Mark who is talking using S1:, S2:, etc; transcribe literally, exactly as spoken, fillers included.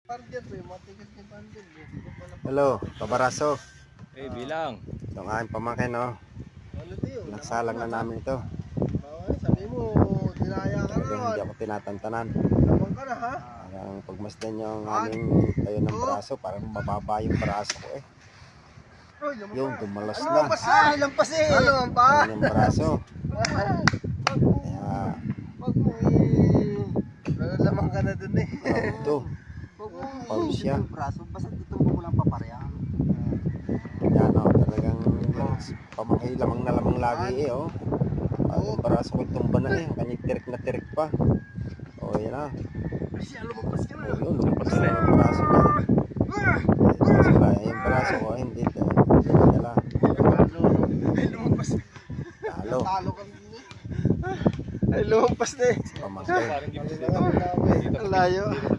S1: Hello, kabaraso.
S2: Eh, bilang.
S1: Ito ang aking pamangkin, no? Nagsalang na namin ito.
S3: Sabi mo, dinaya ka
S1: Talagang
S3: na.
S1: hindi ako tinatantanan.
S3: Naman ka na, ha?
S1: Parang pagmasdan nyo ang aming tayo ng braso, parang mababa yung braso ko eh. Yung dumalas na.
S3: Ah, lampas eh. Ano ang pa?
S1: Yung braso. Kaya,
S3: Wag mo eh. Nalaman ka na dun eh.
S1: oh, ito. Pau siya.
S3: Braso, basta tutumbo mo lang papareha.
S1: Yan, oh, talagang pamangkin lamang na lamang lagi eh, oh. Ang braso ko tumba na eh. Kanyang tirik na tirik pa. Oh, yan ah.
S3: Siya, lumabas ka na.
S1: Oh, yun, lumabas na yung braso niya. Braso ka, yung braso ko, hindi ito. Hindi dala.
S3: Ay, lumabas.
S1: Talo.
S3: Talo ka din eh. Ay, lumabas na eh.
S1: Pamangkin.
S3: Ang layo.